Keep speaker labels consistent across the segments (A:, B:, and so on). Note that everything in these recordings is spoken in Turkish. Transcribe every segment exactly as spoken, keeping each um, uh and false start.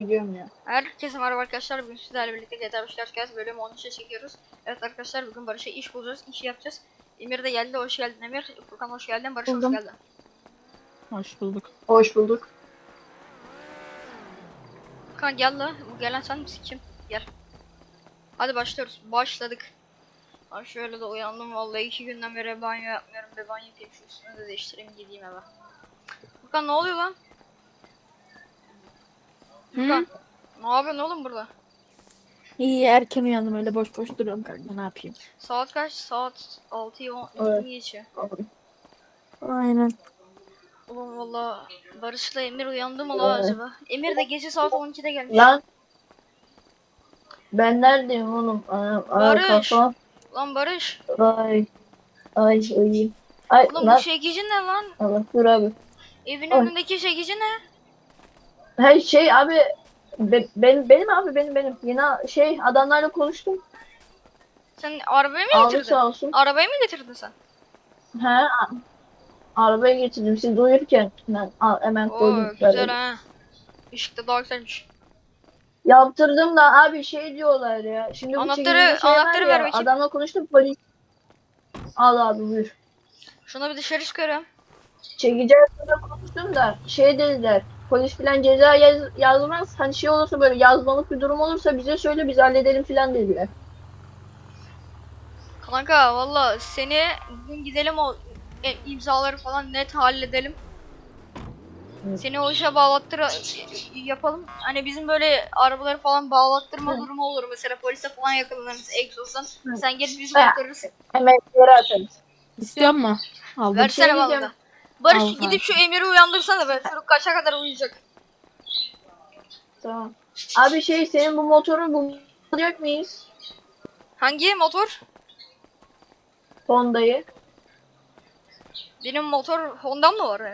A: Biliyorum ya.
B: Herkese merhaba arkadaşlar. Bugün sizlerle birlikte G T A beş Podcast bölümü on üçe çekiyoruz. Evet arkadaşlar, bugün Barış'a iş bulacağız, işi yapacağız. Emir de geldi, hoş geldin Emir. Furkan hoş geldin, Barış hoş
A: Buldum.
B: geldin.
C: Hoş bulduk.
A: Hoş bulduk.
B: Furkan gel la, bu gelen sen misin, kim? Gel. Hadi başlıyoruz, başladık. Abi şöyle de uyandım vallahi, iki günden beri banyo yapmıyorum. Bir banyo yapayım, şu üstümü de değiştireyim, gideyim eve. Furkan ne oluyor lan? Furkan ne yapıyorsun oğlum burada?
C: İyi, erken uyandım, öyle boş boş duruyorum kanka, ne yapayım?
B: Saat kaç? Saat altıyı on
A: Evet.
B: geçiyor.
C: Aynen.
B: Ulan valla Barış'la Emir uyandı mı la
A: Evet.
B: acaba? Emir de gece saat on ikide gelmiş.
A: Lan ben neredeyim oğlum? Ana, ana
B: Barış.
A: kafam.
B: Lan Barış.
A: Ay. Ay uyuyayım. Ay
B: Ulan
A: lan.
B: bu çekici ne lan?
A: Allah dur abi.
B: Evin
A: Ay.
B: önündeki çekici ne?
A: Her şey abi. Be, benim benim abi benim benim. Yine şey adamlarla konuştum.
B: Sen arabayı mı
A: Aldı
B: getirdin?
A: sağ olsun.
B: Arabayı mı getirdin sen?
A: He. a- Arabaya getirdim. Siz uyurken ben a- hemen
B: Oo
A: koydum.
B: güzel
A: Böyle.
B: ha. Işık da daha güzelmiş.
A: Yaptırdım da abi şey diyorlar ya. Şimdi bu
B: Anahtarı-
A: çekicide şey var
B: anahtarı ver
A: ya.
B: bakayım.
A: Adamla konuştum polis. Al abi buyur.
B: Şuna bir dışarı çıkarıyorum.
A: Çekici hakkında konuştum da şey dediler. Polis filan ceza yaz, yazmaz. Hani şey olursa böyle yazmalık bir durum olursa bize söyle biz halledelim filan dediler.
B: Kanka valla seni bugün gidelim, o e, imzaları falan net halledelim.
A: Evet.
B: Seni o işe bağlattır yapalım. Hani bizim böyle arabaları falan bağlattırma
A: Hı.
B: durumu olur. Mesela polise falan yakalanırız egzozdan.
A: Hı.
B: Sen gelip bizi
A: Ha.
B: kurtarırsın.
A: Hemen yere atarız.
C: İstiyor mu? Aldım.
B: Versene
A: şey
B: bana
A: diyeceğim.
B: da. Barış
C: Al
B: gidip
C: kanka.
B: şu Emir'i uyandırsana be. Çocuk kaça kadar uyuyacak?
A: Tamam. Abi şey senin bu motoru bulacak mıyız?
B: Hangi motor?
A: Honda'yı.
B: Benim motor Honda'm mı var ya?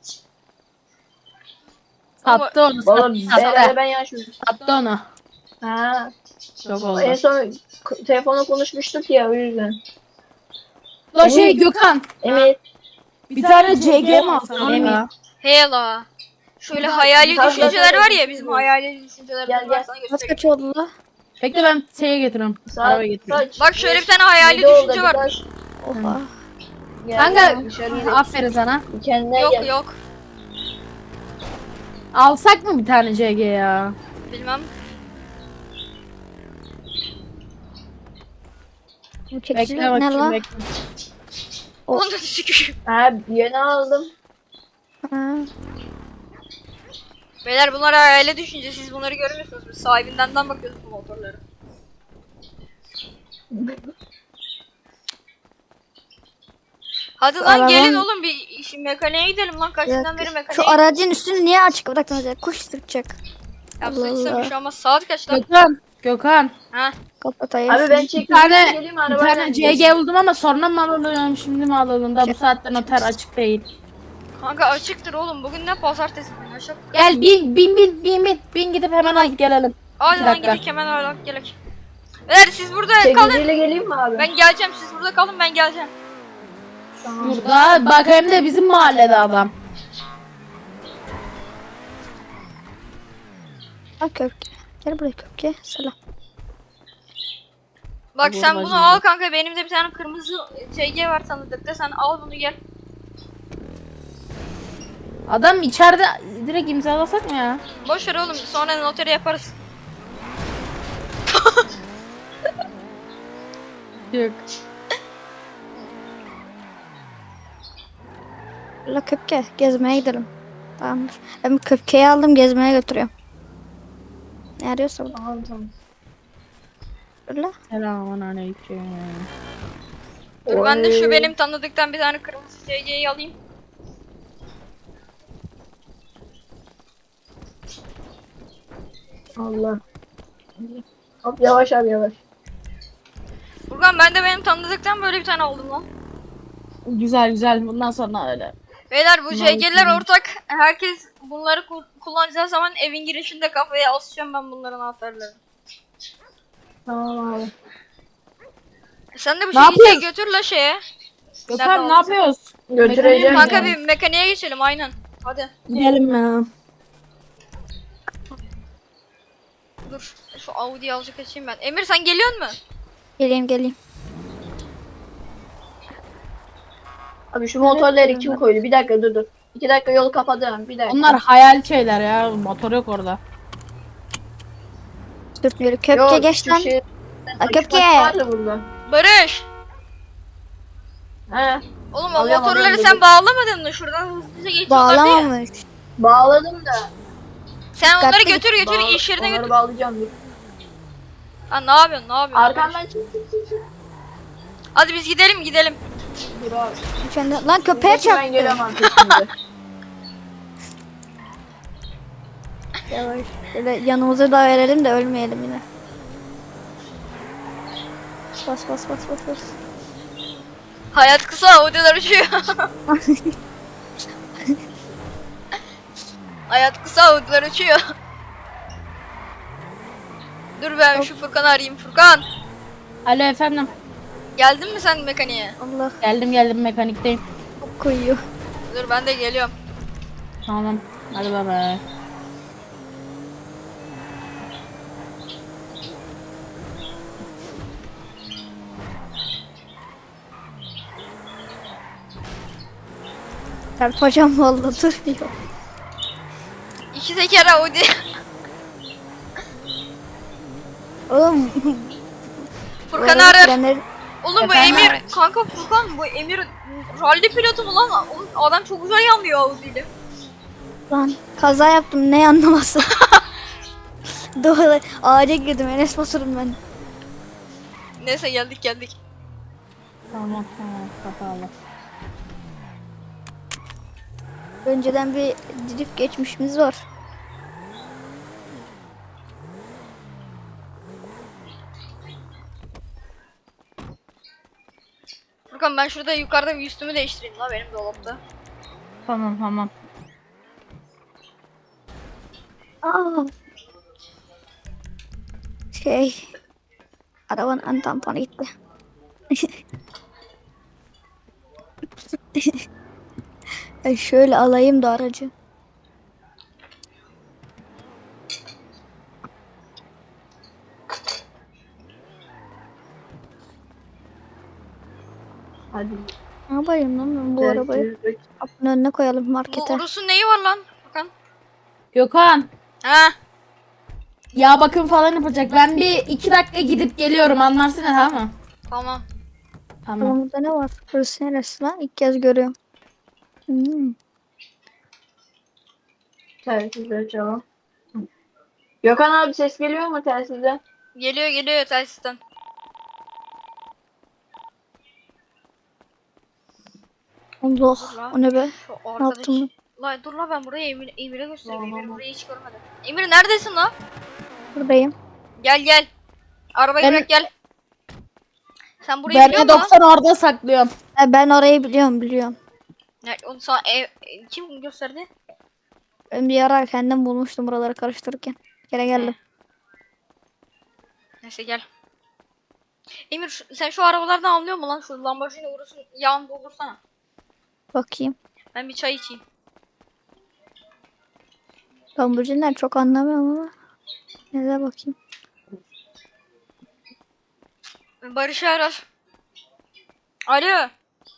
C: Sattı onu,
A: Valla
C: sattı,
A: beraber
C: sattı.
A: ben yaşıyorum.
C: Sattı onu.
A: Ha.
C: Çok oldu.
A: En son k- telefonla konuşmuştuk ya o yüzden.
C: La şey Gökhan,
A: Emir.
C: bir tane C G mi alsan
A: Emin.
C: ya?
B: Hela. Şöyle
A: Şurada-
B: hayali
A: Tabii,
B: düşünceler
A: tabii,
B: var ya,
A: tabii.
B: bizim hayali düşünceler
A: Gel,
B: var,
A: gel.
B: sana
D: Kaç
B: göstereyim.
D: kaç oldu la?
C: Bekle, ben şeye getiriyorum.
A: Saat
C: Arabaya getiriyorum.
A: kaç?
B: Bak şöyle bir tane hayali
A: Yedi oldu,
B: düşünce
A: bir
B: varmış.
D: Oha.
A: Gel,
C: Kanka,
A: gel, dışarı gidelim.
C: aferin sana.
A: Kendine
B: Yok
A: gel.
B: yok.
C: Alsak mı bir tane C G ya?
B: Bilmem.
D: Bu
C: Bekle
D: çekici ne
C: bakayım,
D: la?
C: bekle.
B: Onu da düşük.
A: Ha yeni aldım.
D: Ha.
B: Beyler bunlar hayali düşünce, siz bunları görmüyorsunuz. Biz sahibinden bakıyoruz bu motorları. Hadi lan
D: Araban-
B: gelin oğlum, bir işin mekaniğe gidelim lan, kaç
D: Ya,
B: günden beri mekaniğe
D: Şu aracın üstünü niye açık bıraktınız ya? Kuş sırtacak.
B: Yapsın
D: Allah
B: bir
D: Allah.
B: şey olmaz. Saat kaç lan?
C: Gökhan, Gökhan.
B: Ha?
D: Kapatayım.
A: Abi ben
C: Bir
A: çekeceğim
C: tane,
A: geleyim
C: bir
A: arabayla.
C: tane C G buldum ama sonra mı alalım, şimdi mi alalım da bu saatte noter açık değil.
B: Kanka açıktır oğlum. Bugün ne, pazartesi günü aşağı.
C: Gel bin bin bin bin bin bin gidip hemen alıp gelelim.
B: Hadi
C: İki
B: lan
C: dakika.
B: gidelim hemen öyle gelek. Beyler siz burada kalın.
A: Çekiciyle geleyim mi abi?
B: Ben geleceğim, siz burada kalın, ben geleceğim.
C: Burada bak, hem de bizim mahallede adam.
D: Al köpke. Gel buraya köpke. Selam.
B: Bak
C: Bu
B: sen bunu
C: bacım
B: al
C: bu.
B: kanka, benim de bir tane kırmızı C G var tanıdıkta, sen al bunu gel.
C: Adam içeride, direkt imzalasak mı ya?
B: Boş ver oğlum, sonra noteri yaparız.
C: Yok.
D: La köpke. Gezmeye gidelim. Tamamdır. Ben köpkeyi aldım, gezmeye götürüyorum. Ne arıyorsa burada.
A: Tamam tamam.
D: Öyle.
C: Selamun aleyküm.
B: Dur ben de şu
A: Oy.
B: benim tanıdıktan bir tane kırmızı C G'yi alayım.
A: Allah. Hop yavaş abi yavaş.
B: Furkan ben de benim tanıdıktan böyle bir tane aldım lan.
C: Güzel güzel, bundan sonra öyle.
B: Beyler bu
C: Bunlar
B: C G'ler
C: güzel.
B: ortak. Herkes bunları ku- kullanacağı zaman evin girişinde kafaya asacağım ben bunların anahtarlarını.
A: Tamam abi.
B: Sen de bu
C: Ne
B: C G'yi
C: yapıyorsun?
B: götür la şeye.
C: Gökhan
B: Nerede
C: ne yapıyoruz?
A: Götüreceğim.
B: Kanka
A: ya.
B: bir mekaniğe geçelim aynen. Hadi.
C: Gidelim ya.
B: Dur şu Audi'yi azıcık açayım ben. Emir sen geliyor mu?
D: Geleyim geleyim.
A: Abi şu motorları
D: Evet,
A: kim
D: evet.
A: koydu? Bir dakika dur dur. İki dakika yolu kapadım. Bir dakika.
C: Onlar hayal şeyler ya. Motor yok orada.
D: Sürtmüyor. Köpke
A: Yok,
D: geç
A: şu
D: lan.
A: şey-
D: La köpke.
A: vardı burada.
B: Barış.
A: He.
B: Oğlum o
A: Alıyorum,
B: motorları
A: alıyorum,
B: sen
A: dur.
B: bağlamadın mı? Şuradan hızlıca geçiyorlar diye.
D: Bağlamamış.
A: Bağladım da.
B: Sen onları
D: Dikkatli
B: götür götür
A: Bağla-
B: iş yerine
A: onları
B: götür.
A: bağlayacağım dur.
B: Ha ne yapıyorsun ne yapıyorsun?
A: Arkamdan çık çık çık çık.
B: Hadi biz gidelim gidelim.
A: Dur abi.
D: Sen- Lan köpeğe
A: Dur, ben geliyorum
D: çarptı.
A: artık şimdi.
D: Yavaş. Şöyle yanımıza da verelim de ölmeyelim yine. Bas bas bas bas bas.
B: Hayat kısa Audi'ler uçuyor. Hayat kısa Audi'ler uçuyor. Dur ben şu Furkan'ı arayayım. Furkan
C: Alo efendim.
B: geldin mi sen mekaniğe?
D: Allah
C: Geldim geldim mekanikteyim.
D: çok koyuyor.
B: Dur ben de geliyorum.
C: Tamam. Hadi bay bay.
D: Çarpacağım valla durmuyor.
B: İki teker Audi.
D: Oğlum.
B: Furkan'ı
D: araba
B: arar.
D: frenleri-
B: Oğlum bu
C: Efendim?
B: Emir kanka Furkan bu Emir rally pilotu mu lan? Oğlum adam çok güzel yanlıyor Audi ile.
D: Lan kaza yaptım ne anlaması. Doğru ağaca girdim Enes Batur'um ben.
B: Neyse geldik geldik.
C: Tamam tamam. Kapalı.
D: Önceden bir drift geçmişimiz var.
B: Furkan ben şurada yukarıda bir üstümü değiştireyim la benim dolapta.
C: Tamam tamam.
D: Aa. Şey. Arabanın ön tamponu gitti. E şöyle alayım da aracı.
A: Hadi.
D: Ne yapayım lan ben bu
A: Gel,
D: arabayı?
A: gel, gel.
D: Kapının önüne koyalım
B: Bu
D: markete.
B: Urus'un neyi var lan Furkan?
C: Gökhan.
B: Ha?
C: Ya bakım falan yapacak. Ben bir iki dakika gidip geliyorum. Anlarsın ya tamam mı?
B: Tamam.
C: Tamam.
D: Bakalım burada ne var? Burası neresi lan? İlk kez görüyorum. Hmm.
A: Telsizleri açalım. Gökhan abi ses geliyor mu telsizden?
B: Geliyor geliyor telsizden.
D: Allah
B: Dur lan.
D: o ne be?
B: Şu
D: Ne
B: arkadaş.
D: yaptım ben?
B: La dur la ben burayı Emir, Emir'e göstereyim.
A: Tamam,
B: Emir
A: tamam.
B: burayı hiç görmedi. Emir neredesin la?
D: Buradayım.
B: Gel gel. Arabayı
C: Ben-
B: bırak gel. Sen burayı
C: Ben
B: biliyor
C: de
B: musun lan?
C: doksan orada saklıyorum.
D: E, ben orayı biliyorum biliyorum.
B: Ya, onu sana ev, e, kim gösterdi?
D: Ben bir ara kendim bulmuştum buraları karıştırırken. Gene geldim.
B: Neyse gel. Emir şu- sen şu arabalardan anlıyor musun lan? Şu Lamborghini Urus'un yağını doldursana.
D: Bakayım.
B: Ben bir çay içeyim.
D: Lamborghini'den çok anlamıyorum ama. Neden bakayım.
B: Barış'ı arar. Alo.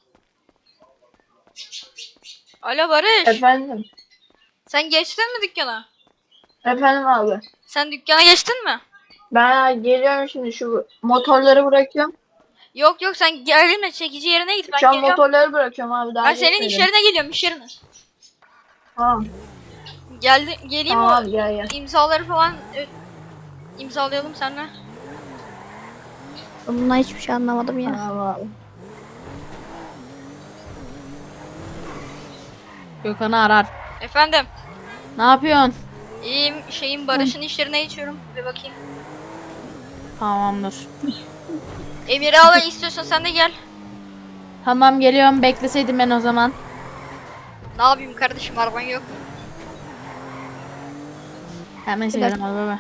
B: Alo Barış.
A: Efendim.
B: Sen geçtin mi dükkana?
A: Efendim abi.
B: Sen dükkana geçtin mi?
A: Ben geliyorum şimdi şu motorları bırakıyorum.
B: Yok yok sen gelme çekici yerine git ben
A: Şu an
B: geliyorum.
A: motorları bırakıyorum abi. Daha
B: Ben senin
A: gitmedim.
B: iş yerine geliyorum iş yerine.
A: Tamam.
B: Geldi geleyim
A: Tamam
B: o
A: abi gel gel.
B: imzaları falan e, imzalayalım seninle.
D: Ben bundan hiçbir şey anlamadım ya.
A: Tamam abi.
C: Gökhan'ı arar.
B: Efendim.
C: Ne yapıyorsun?
B: İyiyim şeyin Barış'ın iş yerine geçiyorum. Bir bakayım.
C: Tamamdır.
B: Emir'i al istiyorsan sen de gel.
C: Tamam geliyorum. Bekleseydim ben o zaman.
B: Ne yapayım kardeşim araban yok.
C: Hemen
D: Bir
C: çekelim hadi bay bay.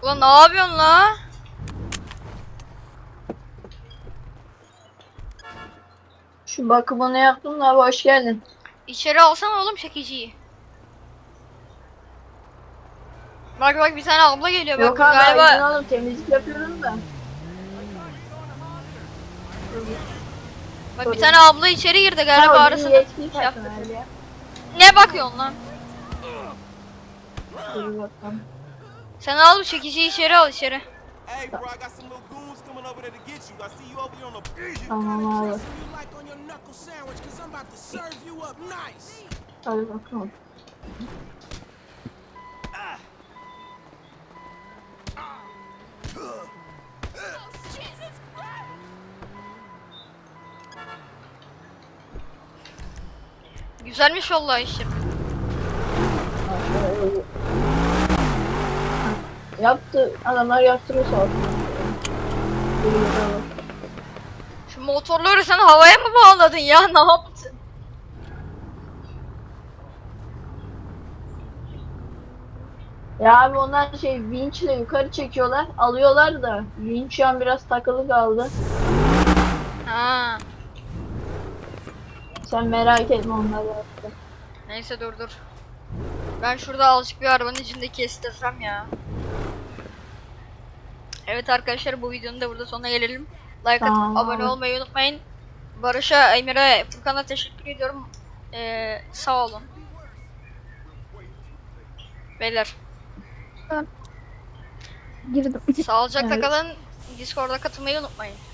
B: Ulan ne yapıyorsun la?
A: Şu bakımını yaptım da abi, hoş geldin.
B: İçeri alsana oğlum çekiciyi. Bak bak bir tane abla geliyor bak
A: Yok abi,
B: galiba.
A: izin alın, temizlik yapıyorum da.
B: Bak bir tane abla içeri girdi galiba
A: Ha, o
B: arasında.
A: bizim yetkili
B: Şey yaptı.
A: personel ya.
B: Ne bakıyorsun lan?
A: Dur bakalım.
B: Sen al bu çekiciyi içeri al içeri.
E: Hey, bro, I got some little goons coming over there to get you. I see you over here on the.
A: Tamam abi.
E: You like on your knuckle sandwich, cause I'm about to serve you up nice.
A: Hadi bakalım.
B: Güzelmiş vallahi işim.
A: Yaptı. Adamlar yaptırıyor sağ olsun.
B: Şu motorları sen havaya mı bağladın ya? Ne yaptın?
A: Ya abi onlar şey vinçle yukarı çekiyorlar. Alıyorlar da vinç şu an biraz takılı kaldı.
B: Ha.
A: Sen merak etme, onlar yaptı.
B: Neyse dur dur. Ben şurada azıcık bir arabanın içinde kestirsem ya. Evet arkadaşlar, bu videonun da burada sonuna gelelim. Like
A: Tamam.
B: atıp abone olmayı unutmayın. Barış'a, Emir'e, Furkan'a teşekkür ediyorum. Ee, sağ olun. Beyler
D: Girdim.
B: sağlıcakla
A: Evet.
B: kalın. Discord'a katılmayı unutmayın.